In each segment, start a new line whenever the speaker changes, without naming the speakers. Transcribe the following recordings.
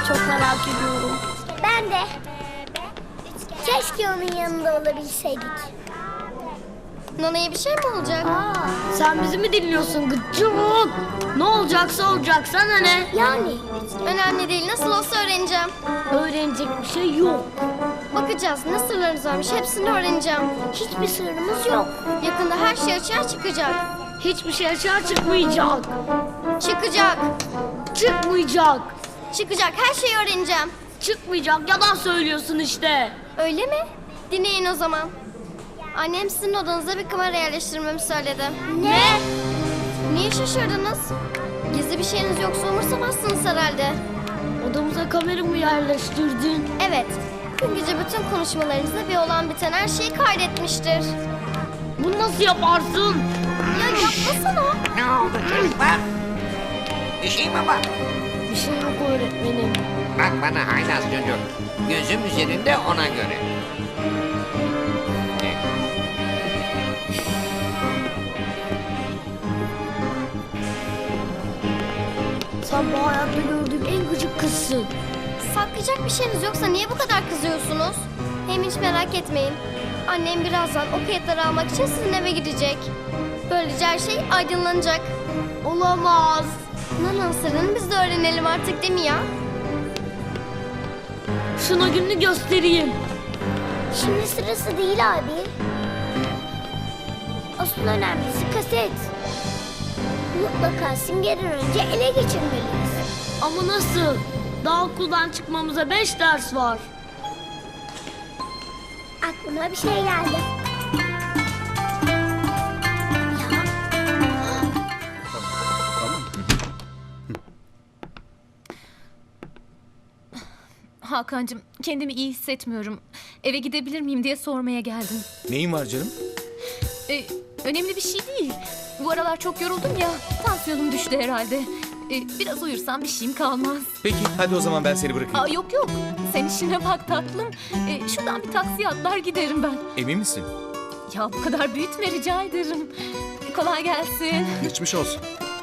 Çok merak ediyorum.
Ben de. Keşke onun yanında olabilseydik.
Nana'ya bir şey mi olacak?
Sen bizi mi dinliyorsun gıcık? Ne olacaksa olacak, sana ne?
Yani
Önemli değil. Nasıl olsa öğreneceğim.
Öğrenecek bir şey yok.
Bakacağız. Ne sırlarınız varmış hepsini öğreneceğim.
hiçbir sırrımız yok.
Yakında her şey açığa çıkacak.
Hiçbir şey açığa çıkmayacak.
Çıkacak.
Çıkmayacak.
Çıkacak. Her şeyi öğreneceğim.
Çıkmayacak. Yalan söylüyorsun işte.
Öyle mi? Dinleyin o zaman. Annem sizin odanıza bir kamera yerleştirmemi söyledi.
Ne?
Niye şaşırdınız? Gizli bir şeyiniz yoksa umursamazsınız herhalde.
Odamıza kamera mı yerleştirdin?
Evet. Dün gece bütün konuşmalarınızda bir olan biten her şeyi kaydetmiştir.
Bunu nasıl yaparsın?
Ya yapmasana.
Ne oldu çocuklar? Bir şey mi var?
Bir şey yok öğretmenim.
Bak bana haylaz çocuk. Gözüm üzerinde ona göre.
Sen bu hayatta gördüğüm en gıcık kızsın.
Saklayacak bir şeyiniz yoksa niye bu kadar kızıyorsunuz? Hem hiç merak etmeyin. Annem birazdan o kayıtları almak için sizin eve gidecek. Böylece her şey aydınlanacak.
Olamaz.
Nana'nın sırrını biz de öğrenelim artık değil mi ya?
Şuna gününü göstereyim.
Şimdi sırası değil abi. Asıl önemlisi kaset. Mutlaka Simge'den önce ele geçirmeliyiz.
Ama nasıl? Daha okuldan çıkmamıza 5 ders var.
Aklıma bir şey geldi. Ya,
Hakan'cığım kendimi iyi hissetmiyorum. Eve gidebilir miyim diye sormaya geldim.
Neyin var canım?
Önemli bir şey değil. Bu aralar çok yoruldum ya. Tansiyonum düştü herhalde. Biraz uyursam bir şeyim kalmaz.
Peki hadi o zaman ben seni bırakayım.
Aa, yok. Sen işine bak tatlım. Şuradan bir taksiye atlar giderim ben.
Emin misin?
Ya bu kadar büyütme rica ederim. Kolay gelsin.
Geçmiş olsun.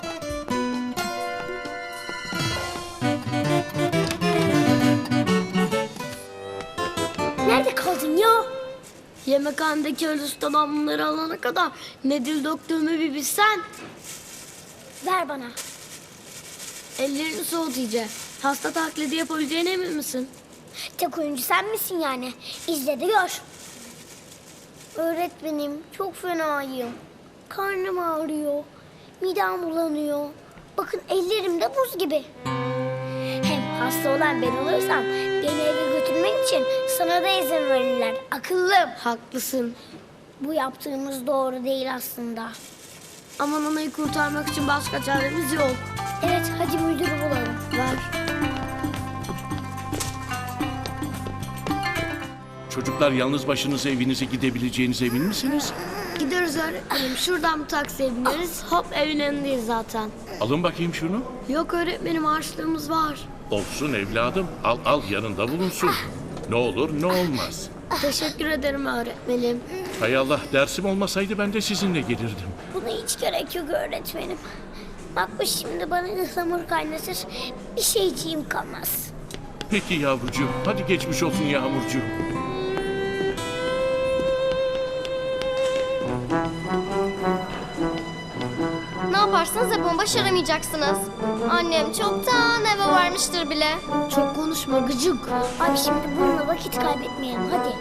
nerede kaldın ya?
Yemekhanedeki öyle ustadan bunları alana kadar ne dil döktüğümü bir bilsen.
Ver bana.
Ellerini soğut iyice. Hasta taklidi yapabileceğine emin misin?
Tek oyuncu sen misin yani? İzle de gör. Öğretmenim çok fenayım. Karnım ağrıyor. Midem bulanıyor. Bakın ellerim de buz gibi. Hem hasta olan ben olursam beni eve götürmek için sana da izin verirler. Akıllım.
Haklısın.
Bu yaptığımız doğru değil aslında.
Ama Nana'yı kurtarmak için başka çaremiz yok.
Evet hadi müdürü bulalım.
Ver.
Çocuklar yalnız başınıza evinize gidebileceğinize emin misiniz?
Gideriz öğretmenim. Şuradan bir taksiye bineriz. Hop evin önündeyiz zaten.
Alın bakayım şunu.
Yok öğretmenim, harçlığımız var.
Olsun evladım. Al yanında bulunsun. Ne olur ne olmaz.
Teşekkür ederim öğretmenim.
Hay Allah, dersim olmasaydı ben de sizinle gelirdim.
Buna hiç gerek yok öğretmenim. Bak bu şimdi bana ıhlamur kaynatır. Bir şeyciğim kalmaz.
Peki yavrucuğum. Hadi geçmiş olsun Yağmurcuğum.
Ne yaparsanız yapın başaramayacaksınız. Annem çoktan eve varmıştır bile.
Çok konuşma gıcık.
Abi şimdi bununla vakit kaybetmeyelim hadi.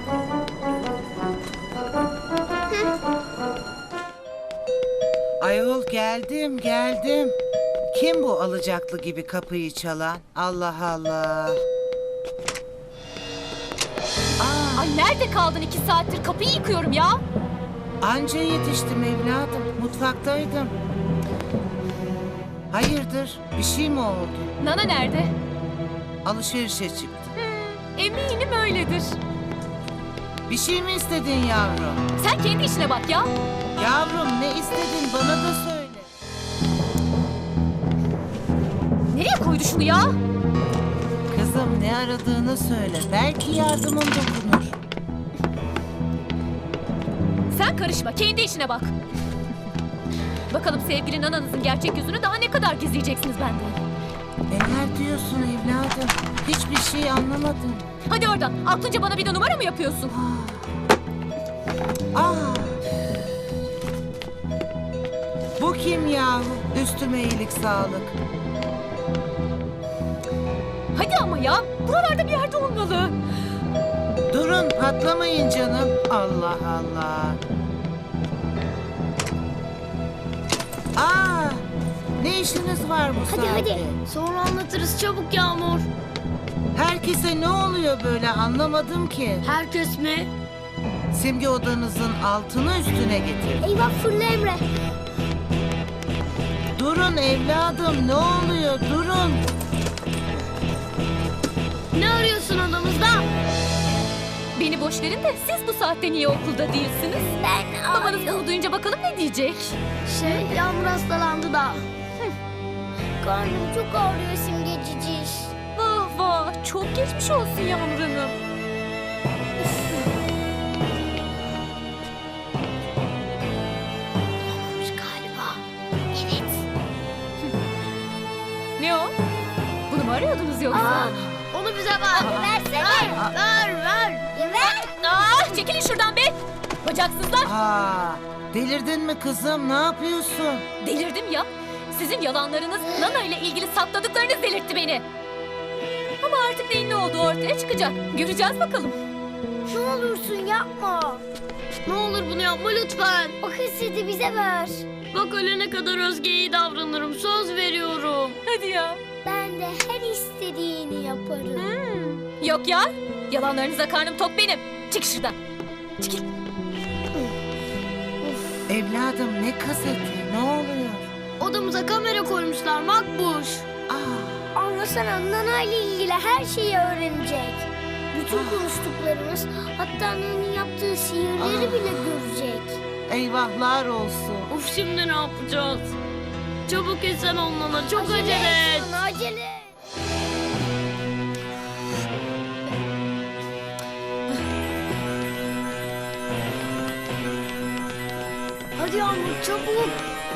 Ayol geldim. Kim bu alacaklı gibi kapıyı çalan? Allah Allah.
Ay nerede kaldın 2 saattir? Kapıyı yıkıyorum ya.
Anca yetiştim evladım. Mutfaktaydım. Hayırdır? Bir şey mi oldu?
Nana nerede?
Alışverişe çıktı.
Eminim öyledir.
Bir şey mi istedin yavrum?
Sen kendi işine bak ya.
Yavrum ne istedin bana da söyle.
Nereye koydu şunu ya?
Kızım ne aradığını söyle. Belki yardımım dokunur.
Sen karışma, kendi işine bak. Bakalım sevgili nananızın gerçek yüzünü daha ne kadar gizleyeceksiniz benden?
Neler diyorsun evladım? Hiçbir şey anlamadım.
Hadi oradan. Aklınca bana bir de numara mı yapıyorsun?
Aa! Bu kim yahu? Üstüme iyilik sağlık.
Hadi ama ya. Buralarda bir yerde olmalı.
Durun patlamayın canım. Allah Allah. Aa! Ne işiniz var bu
Hadi,
saatte?
hadi.
Sonra anlatırız çabuk Yağmur.
Herkese ne oluyor böyle anlamadım ki.
Herkes mi?
Simge odanızın altını üstüne getir.
Eyvah fırla Emre.
Durun evladım ne oluyor durun.
Ne arıyorsun odamızda?
Beni boş verin de siz bu saatte niye okulda değilsiniz? Babanız bunu duyunca bakalım ne diyecek?
Yağmur hastalandı da.
Karnım çok ağrıyor Simge ciciş.
Vah vah. Çok geçmiş olsun Yağmur Hanım.
Galiba.
Ne o? Bunu mu arıyordunuz yoksa?
Onu bize ver.
Versene.
Ver.
Ya ver.
Çekilin şuradan be. Bacaksızlar.
Aa, delirdin mi kızım ne yapıyorsun?
Delirdim ya. Sizin yalanlarınız Nana ile ilgili sakladıklarınız delirtti beni. Ama artık neyin ne olduğu ortaya çıkacak. Göreceğiz bakalım.
Ne olursun yapma.
Ne olur bunu yapma lütfen.
O kaseti bize ver.
Bak ölene kadar Özge'ye iyi davranırım. Söz veriyorum.
Hadi ya.
Ben de her istediğini yaparım.
Yok ya. Yalanlarınıza karnım tok benim. Çık şuradan. Çekil.
Evladım ne kaseti ne oluyor?
Odamıza kamera koymuşlar Makbuş.
Aa,
Anlasana Nana ile ilgili her şeyi öğrenecek. Bütün konuştuklarımız, hatta Nana'nın yaptığı sihirleri bile görecek.
eyvahlar olsun.
Of şimdi ne yapacağız? Çabuk esen onlara. Çok acele et.
Nana, acele et.
Hadi Yağmur çabuk.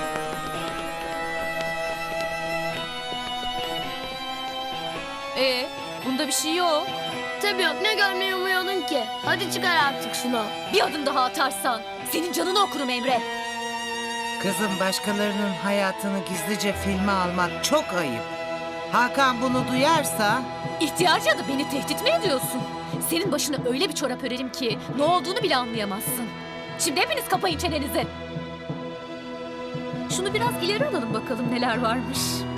Bunda bir şey yok.
Tabii yok ne görmeyi umuyordun ki. Hadi çıkar artık şunu.
Bir adım daha atarsan senin canını okurum Emre.
Kızım başkalarının hayatını gizlice filme almak çok ayıp. Hakan bunu duyarsa
İhtiyarca da beni tehdit mi ediyorsun? Senin başına öyle bir çorap örerim ki ne olduğunu bile anlayamazsın. Şimdi hepiniz kapayın çenenizi. Şunu biraz ileri alalım bakalım neler varmış.